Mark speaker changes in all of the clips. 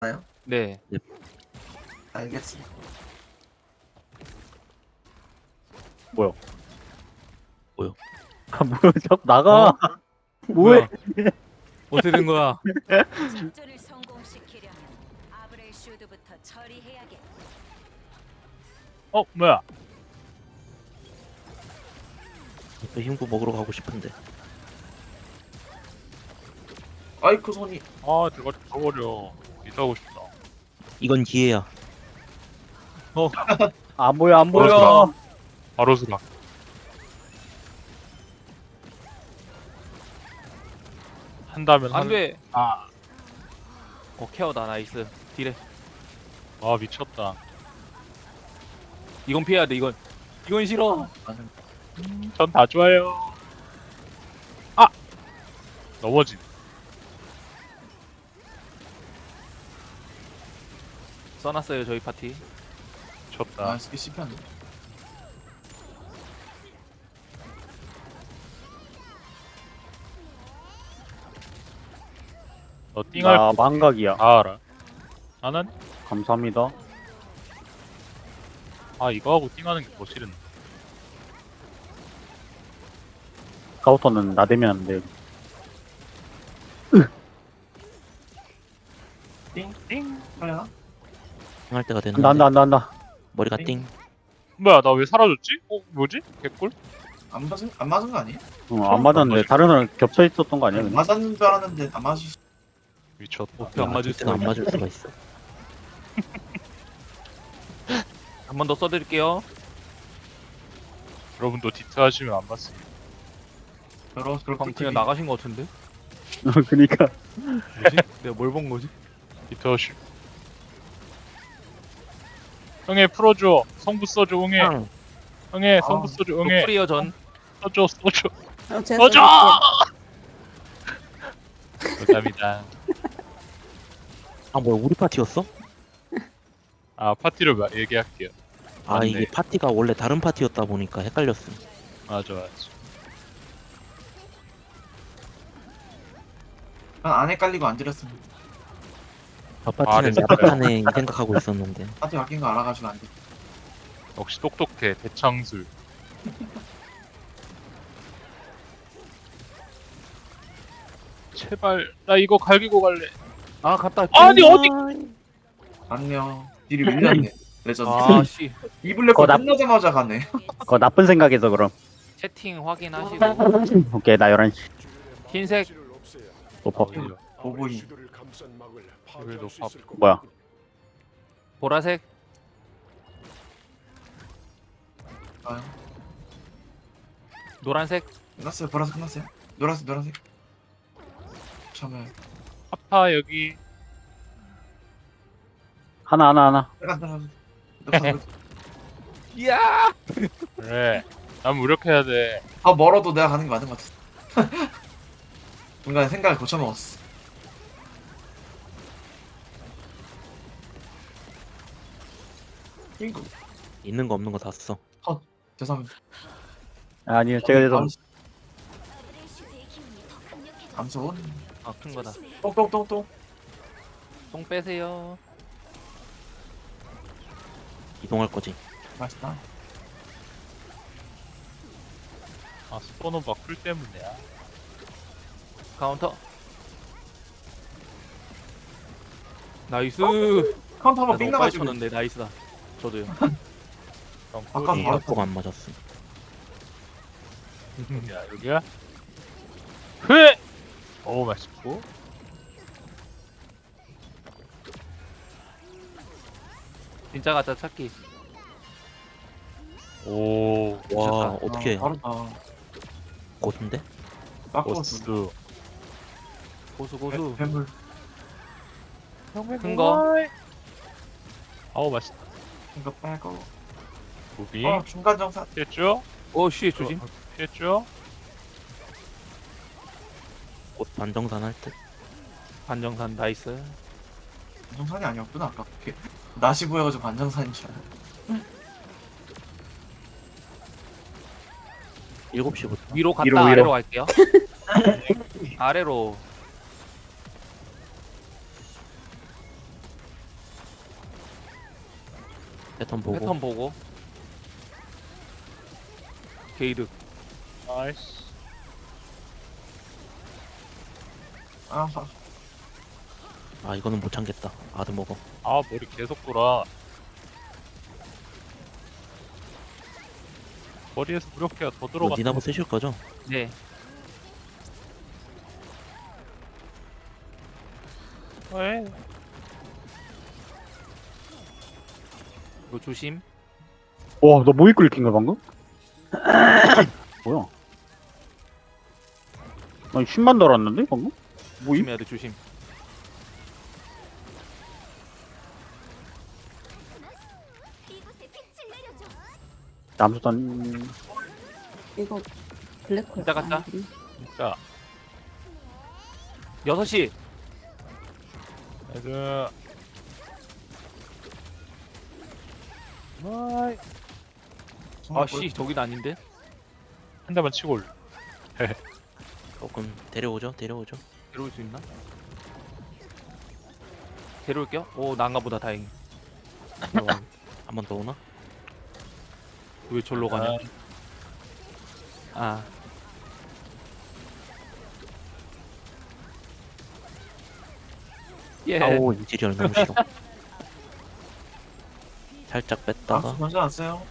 Speaker 1: 나요?
Speaker 2: 네.
Speaker 1: 알겠습니다.
Speaker 3: 뭐야?
Speaker 4: 뭐요?
Speaker 3: 아 뭐야? 자꾸 나가. 뭐해?
Speaker 2: 뭐야? 어떻게 된 거야?
Speaker 5: 작전을 성공시키려면 아브레슈드부터 처리해야겠다.
Speaker 3: 뭐야?
Speaker 4: 또 흰구 먹으러 가고 싶은데.
Speaker 1: 아이쿠 손이.
Speaker 3: 아 내가 저버려. 이사하고 싶다.
Speaker 4: 이건 기회야.
Speaker 3: 안 보여 안
Speaker 2: 뭐야?
Speaker 3: 보여.
Speaker 6: 바로 수락. 한다면
Speaker 2: 안 돼.
Speaker 3: 아
Speaker 2: 케어다. 나이스. 딜해.
Speaker 6: 와 미쳤다.
Speaker 2: 이건 피해야 돼. 이건 싫어.
Speaker 6: 전 다 좋아요. 아 넘어진.
Speaker 2: 써놨어요 저희 파티.
Speaker 6: 쳤다.
Speaker 1: 아, 스키 씹혔네.
Speaker 6: 너 띵할
Speaker 3: 나
Speaker 6: 거
Speaker 3: 망각이야.
Speaker 6: 다 알아. 나는
Speaker 3: 감사합니다.
Speaker 6: 이거 하고 띵하는 게 더 싫은데.
Speaker 3: 스카우터는 나대면 안 돼.
Speaker 1: 띵. 하려나?
Speaker 4: 할 때가 됐는데.
Speaker 3: 난다.
Speaker 4: 머리가
Speaker 1: 띵.
Speaker 4: 띵.
Speaker 6: 뭐야 나 왜 사라졌지? 뭐지? 개꿀?
Speaker 1: 안 맞은 거 아니에요?
Speaker 3: 안 맞았는데 다른 애랑 겹쳐 있었던 거 아니야? 그냥?
Speaker 1: 맞았는 줄 알았는데 안 맞을 수.
Speaker 6: 미쳤다.
Speaker 2: 어떻게 안 맞을
Speaker 4: 때는
Speaker 2: 수가
Speaker 4: 안 맞을 수가 있어.
Speaker 2: 한 번 더 써드릴게요.
Speaker 6: 여러분도 디트 하시면 안 맞습니다.
Speaker 1: 그럴
Speaker 2: 방금 그냥 나가신 거 같은데?
Speaker 3: 그니까
Speaker 2: 뭐지? 내가 뭘 본 거지?
Speaker 6: 디트 하시. 형애 풀어줘. 성부 써줘 응애.
Speaker 4: 형,
Speaker 6: 형애
Speaker 1: 아,
Speaker 6: 성부 써줘 응애.
Speaker 2: 프리어 전.
Speaker 6: 써줘.
Speaker 7: 제가
Speaker 6: 써줘. 감사합니다.
Speaker 4: 아 뭐야 우리 파티였어?
Speaker 6: 파티를 얘기할게요.
Speaker 4: 아
Speaker 6: 맞네.
Speaker 4: 이게 파티가 원래 다른 파티였다 보니까 헷갈렸음.
Speaker 6: 맞아.
Speaker 1: 안 헷갈리고 안 들었습니다.
Speaker 4: 저 파티는
Speaker 6: 됐어요.
Speaker 4: 야박하네 이 생각하고 있었는데.
Speaker 1: 파티 바뀐 거 알아가지고 안 돼.
Speaker 6: 역시 똑똑해 대창술. 제발 나 이거 갈기고 갈래.
Speaker 2: 아 갔다.
Speaker 6: 아니 어디?
Speaker 1: 안녕. 딜이 밀렸네. 레전드.
Speaker 2: 아 씨.
Speaker 1: 이블랙홀
Speaker 3: 나-
Speaker 1: 끝나자마자 가네.
Speaker 3: 그거 나쁜 생각에서 그럼.
Speaker 2: 채팅 확인하시고.
Speaker 3: 오케이 나 11시.
Speaker 2: 흰색.
Speaker 3: 오퍼.
Speaker 1: 보보이.
Speaker 6: 그래도 밥.
Speaker 3: 뭐야?
Speaker 2: 보라색.
Speaker 1: 아,
Speaker 2: 노란색.
Speaker 1: 끝났어요. 보라색 끝났어요. 노란색. 참을.
Speaker 6: 파파 여기.
Speaker 3: 하나.
Speaker 1: 잠깐.
Speaker 2: 이야.
Speaker 6: 그래. 난 무력해야 돼.
Speaker 1: 더 멀어도 내가 가는 게 맞는 것 같아. 중간에 생각을 고쳐먹었어. 이거
Speaker 4: 있는 거 없는 거 다 써.
Speaker 1: 죄송합니다.
Speaker 3: 아니요 제가 그래서
Speaker 5: 아브레슈드의 기운이 더 강력해졌어.
Speaker 1: 감소.
Speaker 2: 아큰 거다.
Speaker 1: 똥똥똥똥.
Speaker 2: 똥 빼세요.
Speaker 4: 이동할 거지.
Speaker 1: 맛있다.
Speaker 6: 스포노바 쿨 때문이야.
Speaker 2: 카운터. 나이스.
Speaker 1: 카운터
Speaker 2: 나
Speaker 1: 한번 삥
Speaker 2: 너무 빨리
Speaker 1: 나가지고.
Speaker 2: 쳤는데 나이스다. 저도요.
Speaker 1: 아까
Speaker 4: 이
Speaker 1: 바로
Speaker 4: 약속 안 맞았음.
Speaker 6: 여기야. 흐. 오 맛있고.
Speaker 2: 진짜 가짜 찾기.
Speaker 6: 오.
Speaker 4: 와 어떻게
Speaker 1: 바로
Speaker 4: 고수인데?
Speaker 1: 바꿔서.
Speaker 2: 고수.
Speaker 1: 뱀물.
Speaker 2: 큰 거.
Speaker 6: 아우 맛있다.
Speaker 1: 이거 빼고.
Speaker 6: 고비.
Speaker 1: 중간 정산.
Speaker 6: 피했죠?
Speaker 2: 오씨 조심.
Speaker 6: 피했죠?
Speaker 4: 곧 반정산 할 듯.
Speaker 2: 반정산 나이스.
Speaker 1: 반정산이 아니었구나 아까. 낫이 보여가지고 반정산인 줄 알았네.
Speaker 4: 7시부터.
Speaker 2: 위로 갔다
Speaker 3: 위로.
Speaker 2: 아래로 갈게요. 아래로.
Speaker 4: 패턴 보고.
Speaker 2: 패턴 보고. 게이드.
Speaker 6: 나이스.
Speaker 1: 아,
Speaker 4: 아 이거는 못 참겠다. 아드 먹어.
Speaker 6: 아, 머리 계속 돌아. 머리에서 무력해가 더
Speaker 4: 이거
Speaker 6: 들어가.
Speaker 4: 니나보 쓰실 거죠?
Speaker 2: 네.
Speaker 6: 왜?
Speaker 2: 이거 조심.
Speaker 3: 와, 너 모이 끓긴 거야, 방금? 뭐야? 아니, 10만 달았는데, 방금? 모이?
Speaker 2: 조심해야 돼, 조심.
Speaker 5: 이곳에 빛을 내려줘.
Speaker 3: 남수단,
Speaker 7: 이거 블랙홀
Speaker 2: 진짜 같다.
Speaker 6: 진짜.
Speaker 2: 6시.
Speaker 6: 애들. 마이.
Speaker 2: 아씨, 저긴 아닌데?
Speaker 6: 한 대만 치고 올.
Speaker 4: 조금 데려오죠. 데려오죠.
Speaker 2: 데려올 수 있나? 데려올게요. 오, 난가 보다 다행히.
Speaker 4: 한 번 더 오나?
Speaker 2: 왜 절로 가냐? 아, 예.
Speaker 4: 아오 인지리얼 너무 싫어. 살짝 뺐다가
Speaker 1: 암수 먼저 왔어요.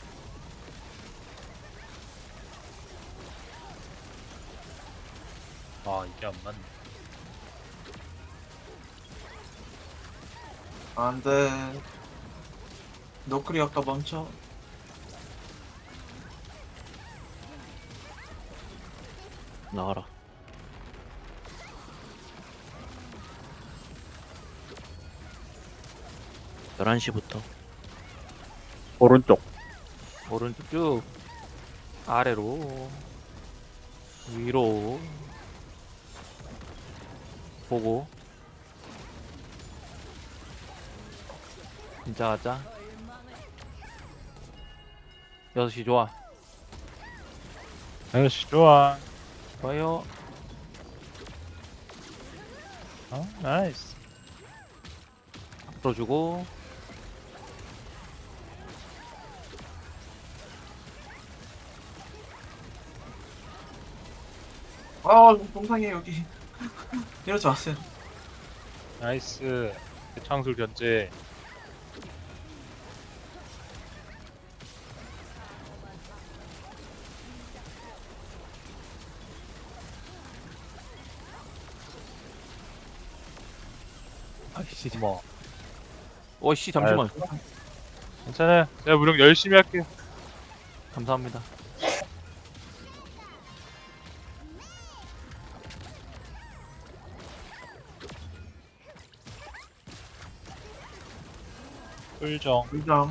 Speaker 6: 아, 이게 안 맞네.
Speaker 1: 안 돼. 노크리 아까 멈춰.
Speaker 4: 나와라. 열한 시부터
Speaker 3: 오른쪽.
Speaker 2: 오른쪽 쭉 아래로 위로 보고 진짜 가자. 6시 좋아.
Speaker 6: 아저씨 좋아.
Speaker 2: 좋아요.
Speaker 6: 어, 나이스.
Speaker 2: 풀어주고
Speaker 1: 아, 동상이에요, 여기. 이러지 마세요.
Speaker 6: 나이스. 창술 견제.
Speaker 2: 아이씨.
Speaker 6: 뭐.
Speaker 2: 어이씨 잠시만.
Speaker 6: 괜찮아요. 제가 무력 열심히 할게요.
Speaker 2: 감사합니다.
Speaker 6: 꿀정.
Speaker 1: 의장.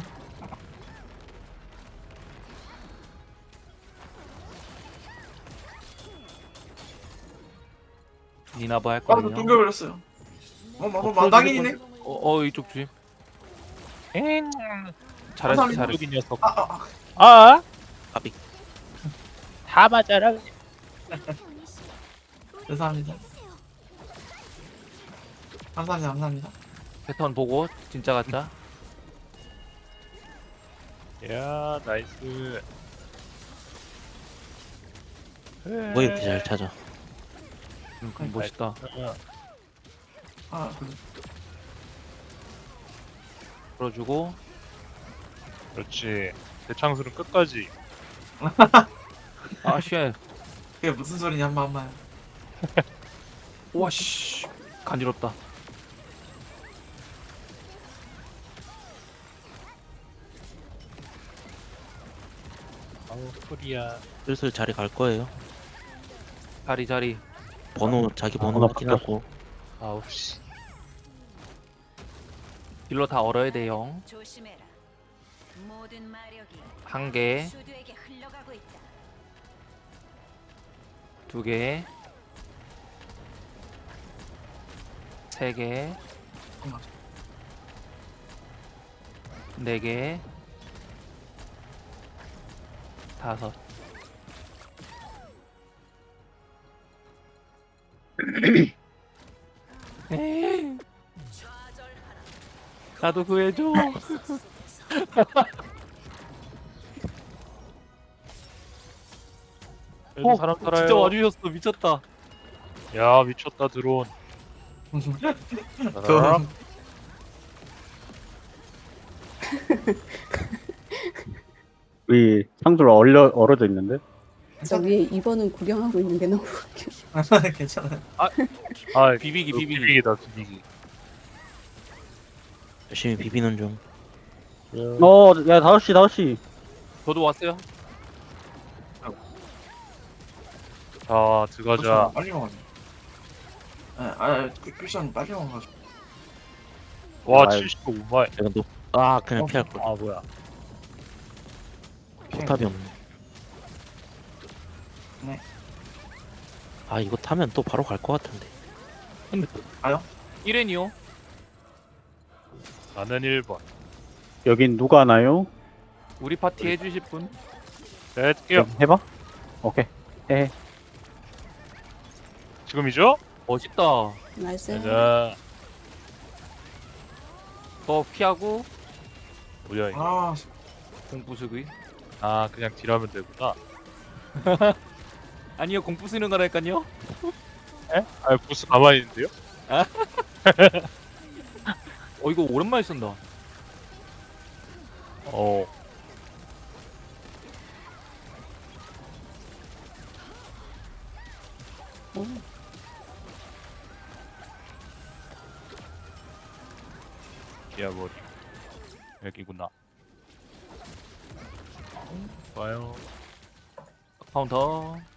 Speaker 2: 니나바 할
Speaker 1: 아, 나
Speaker 2: 거든요.
Speaker 1: 뚱겨버렸어요. 마당이네.
Speaker 2: 이쪽 조심.
Speaker 6: 엥.
Speaker 2: 잘했어,
Speaker 1: 감사합니다.
Speaker 2: 잘했어.
Speaker 6: 이 녀석.
Speaker 1: 아,
Speaker 6: 아,
Speaker 4: 까비.
Speaker 6: 다 맞아라.
Speaker 1: 죄송합니다. 감사합니다, 감사합니다.
Speaker 2: 패턴 보고 진짜 가짜.
Speaker 6: 야, 나이스.
Speaker 4: 뭐 이렇게 잘 찾아.
Speaker 2: 멋있다.
Speaker 1: 아, 그래.
Speaker 2: 풀어주고
Speaker 6: 그렇지. 대창술은 끝까지.
Speaker 2: 아 쉣.
Speaker 1: 그게 무슨 소리냐, 한번.
Speaker 2: 와씨 간지럽다.
Speaker 6: 아우, 소리야.
Speaker 4: 슬슬 자리 갈 거예요.
Speaker 2: 자리.
Speaker 4: 번호 자기 번호
Speaker 3: 나
Speaker 4: 확인하고
Speaker 6: 아우, 씨.
Speaker 2: 딜러 다 얼어야 돼요.
Speaker 5: 조심해라. 모든 마력이
Speaker 2: 한 개,
Speaker 5: 슈드에게 흘러가고 있다.
Speaker 2: 2개, 3개, 4개, 5. 에이, 나도 구해줘.
Speaker 6: 여기 사람 살아요.
Speaker 2: 진짜 와주셨어. 미쳤다.
Speaker 6: 야 미쳤다 드론.
Speaker 1: 그
Speaker 3: 우리 상들 얼어져 있는데?
Speaker 7: 저 위에 2번은 구경하고 있는 게 너무 웃겨.
Speaker 1: 괜찮아.
Speaker 6: 아
Speaker 2: 비비기,
Speaker 6: 이거
Speaker 2: 비비기.
Speaker 6: 비비기다 비비기.
Speaker 4: 열심히 비비는 중.
Speaker 3: 야, 5시.
Speaker 2: 저도 왔어요.
Speaker 6: 자 들어가자.
Speaker 1: 빨리 먹어야 돼. 쿠션 빨리 먹어가지고.
Speaker 6: 와
Speaker 3: 아유.
Speaker 6: 75마일.
Speaker 4: 내가 그냥 피할 걸.
Speaker 6: 아 뭐야.
Speaker 4: 포탑이 없네.
Speaker 1: 네.
Speaker 4: 아 이거 타면 또 바로 갈 것 같은데.
Speaker 2: 1렌이요.
Speaker 6: 나는 1번.
Speaker 3: 여긴 누가 하나요?
Speaker 2: 우리 파티 해주실 분.
Speaker 6: 네, 뛸게요.
Speaker 3: 해봐. 오케이. 해.
Speaker 6: 지금이죠?
Speaker 2: 멋있다.
Speaker 7: 나이스.
Speaker 6: 자,
Speaker 2: 더 피하고
Speaker 6: 뭐야 이거.
Speaker 1: 아,
Speaker 2: 공부수기.
Speaker 6: 아 그냥 딜하면 되구나.
Speaker 2: 아니요, 공부 쓰는 거라니까요.
Speaker 6: 에? 아 보스 가만히 있는데요?
Speaker 2: 이거 오랜만에 쓴다.
Speaker 6: 어.
Speaker 7: 오.
Speaker 6: 기아버리. 여기구나. 좋아요.
Speaker 2: 카운터.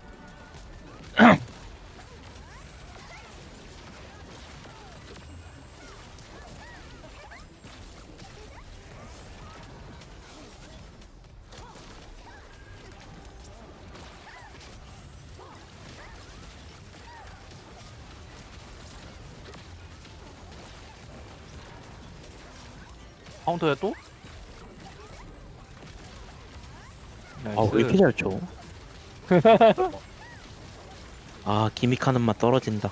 Speaker 2: 카운터야 또?
Speaker 4: 아 왜 이렇게 잘 쳐? 아 기믹하는 맛 떨어진다.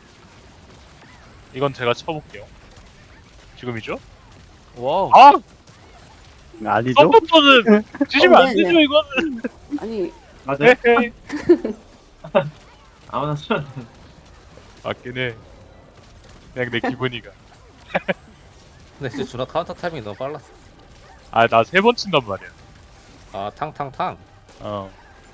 Speaker 6: 이건 제가 쳐볼게요. 지금이죠?
Speaker 2: 와우.
Speaker 6: 아!
Speaker 3: 아니죠?
Speaker 6: 썸부터는 찢으면 안
Speaker 7: 네,
Speaker 6: 되죠 이거는.
Speaker 7: 아니,
Speaker 1: 맞아.
Speaker 6: 헤헤.
Speaker 1: 아무나 쓰면
Speaker 6: 맞긴 해. 그냥 내 기분이가.
Speaker 8: 근데 진짜 준하 카운터 타이밍이 너무 빨랐어.
Speaker 6: 아 나 3번 친단 말이야.
Speaker 8: 아 탕탕탕
Speaker 6: 어.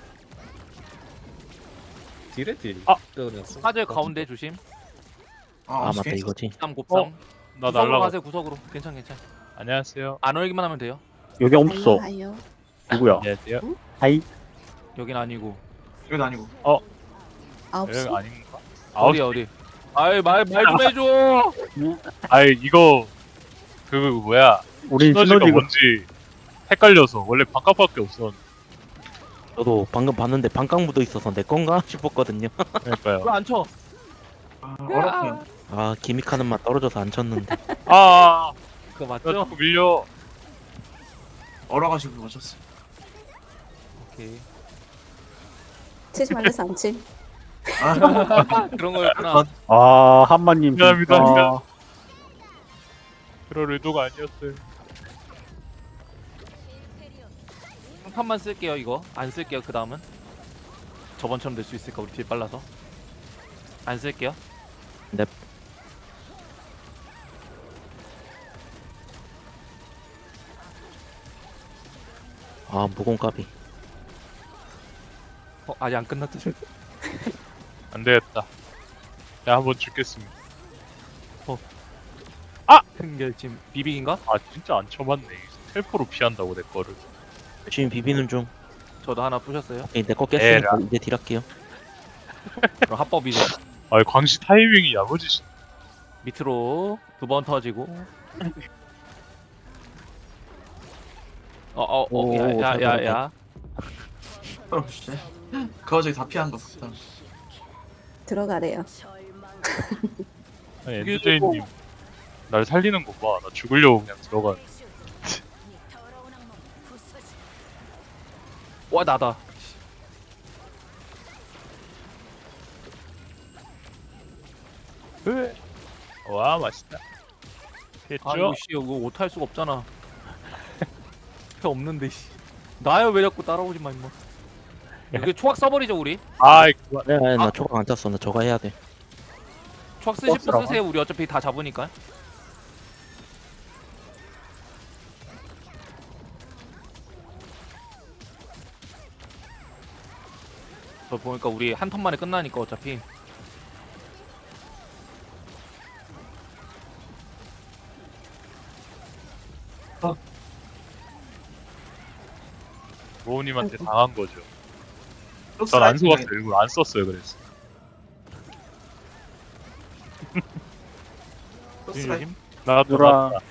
Speaker 8: 딜에 딜.
Speaker 6: 아!
Speaker 8: 그랬어.
Speaker 2: 사제 가운데 조심.
Speaker 4: 아 맞다
Speaker 1: 오케이.
Speaker 4: 이거지.
Speaker 2: 곱삼 곱삼.
Speaker 6: 나
Speaker 2: 구석으로
Speaker 6: 날라가.
Speaker 2: 가세요, 구석으로. 괜찮.
Speaker 6: 안녕하세요.
Speaker 2: 안 얼기만 하면 돼요.
Speaker 3: 여기 없어.
Speaker 7: 아요.
Speaker 3: 누구야?
Speaker 6: 안녕하세요.
Speaker 3: 하이.
Speaker 2: 여긴 아니고.
Speaker 1: 이건 아니고.
Speaker 7: 9시?
Speaker 6: 여기 아닌가? 아홉.
Speaker 2: 어디. 아이 말 좀 해줘.
Speaker 6: 아이 이거 그 뭐야
Speaker 3: 우린
Speaker 6: 시너지가
Speaker 3: 시너지가
Speaker 6: 뭔지 헷갈려서 원래 반값밖에 없었는데.
Speaker 4: 저도 방금 봤는데 반깡 묻어 있어서 내 건가 싶었거든요.
Speaker 6: 그러니까요.
Speaker 2: 왜 안 쳐?
Speaker 1: 어렵네.
Speaker 4: 아 기믹하는 맛 떨어져서 안 쳤는데.
Speaker 6: 아,
Speaker 2: 그거
Speaker 6: 나
Speaker 2: 맞죠?
Speaker 6: 자꾸 밀려.
Speaker 1: 얼어가지고 맞췄어.
Speaker 2: 오케이.
Speaker 7: 치지 말래서 안 침.
Speaker 2: 그런 거였구나.
Speaker 3: 아, 한마님.
Speaker 6: 미안합니다,
Speaker 3: 진짜.
Speaker 6: 미안. 그럴 의도가 아니었어요.
Speaker 2: 한 판만 쓸게요 이거. 안 쓸게요 그 다음은. 저번처럼 될 수 있을까 우리 딜 빨라서. 안 쓸게요.
Speaker 4: 넵. 아 무공까비.
Speaker 2: 아직 안 끝났다.
Speaker 6: 안 되겠다. 내가 한번 죽겠습니다.
Speaker 2: 흥결짐 비빅인가?
Speaker 6: 아 진짜 안 쳐봤네. 텔포로 피한다고 내 거를.
Speaker 4: 열심히 비비는 중.
Speaker 2: 저도 하나 부셨어요.
Speaker 4: 오케이 내거 깼으니까
Speaker 6: 에라.
Speaker 4: 이제 딜할게요.
Speaker 2: 그럼 합법이죠.
Speaker 6: 아 광시 타이밍이 야무지시.
Speaker 2: 밑으로 2번 터지고.
Speaker 4: 오,
Speaker 2: 야야야야.
Speaker 1: 어렵지. 그 와중에 다 피한 거 같다.
Speaker 7: 들어가래요.
Speaker 6: 아니 엔드제이님 날 살리는 거 봐. 나 죽으려고 그냥 들어가.
Speaker 2: 와 나다.
Speaker 6: 와 맛있다.
Speaker 2: 아
Speaker 6: 됐죠?
Speaker 2: 이거 씨 이거 못할 수가 없잖아. 앞에 없는데 씨. 나야 왜 자꾸 따라오지 마 임마. 여기 초각 써버리죠 우리.
Speaker 6: 아이 그만.
Speaker 4: 나 초각 안 tas어. 나 저거 해야 돼.
Speaker 2: 초각 쓰실 분
Speaker 3: 버스라고?
Speaker 2: 쓰세요. 우리 어차피 다 잡으니까. 저 보니까 우리 한 턴 만에 끝나니까 어차피.
Speaker 6: 로우님한테 당한 거죠.
Speaker 1: 크로스
Speaker 6: 전 안
Speaker 1: 라이트
Speaker 6: 속았어요. 일부러 안 썼어요. 그래서.
Speaker 1: 크로스 라이트.
Speaker 2: 조심.
Speaker 6: 나도
Speaker 3: 누라.
Speaker 6: 맞다.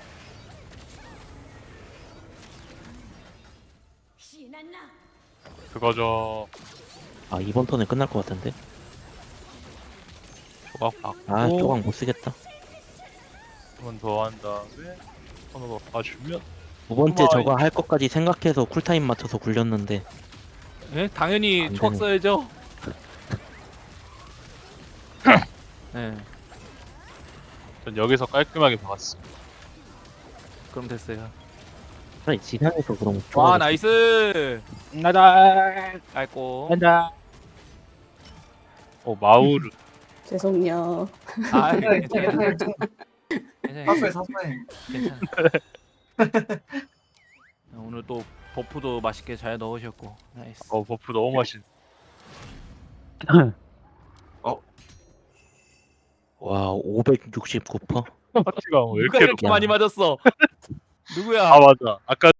Speaker 5: 신난나.
Speaker 6: 그거죠.
Speaker 4: 아 이번 턴에 끝날 것 같은데.
Speaker 6: 조각 받고
Speaker 4: 아 조각 못 쓰겠다.
Speaker 6: 한 번 더 한 다음에 손으로 봐주면
Speaker 4: 두 번째
Speaker 6: 우와,
Speaker 4: 저거 할 것까지 생각해서 쿨타임 맞춰서 굴렸는데
Speaker 2: 예? 당연히
Speaker 4: 안
Speaker 2: 초각
Speaker 4: 되네.
Speaker 2: 써야죠. 네,
Speaker 6: 전 여기서 깔끔하게 박았어.
Speaker 2: 그럼 됐어요.
Speaker 4: 차라리 지상에서 그럼
Speaker 2: 와
Speaker 4: 초각을
Speaker 2: 나이스.
Speaker 3: 나다.
Speaker 2: 깔고.
Speaker 3: 간다.
Speaker 6: 마우르.
Speaker 7: 죄송요.
Speaker 2: 아
Speaker 1: 괜찮아,
Speaker 2: 괜찮아.
Speaker 1: 괜찮아, 괜찮아.
Speaker 2: 괜찮아.
Speaker 1: 사소해, 사소해.
Speaker 2: 괜찮아. 오늘 또 버프도 맛있게 잘 넣으셨고 나이스.
Speaker 6: 버프 너무 맛있네.
Speaker 4: 와 569%.
Speaker 6: 파티가 왜
Speaker 2: 누가
Speaker 6: 이렇게
Speaker 2: 이렇게 많이 맞았어? 누구야?
Speaker 6: 아 맞아. 아까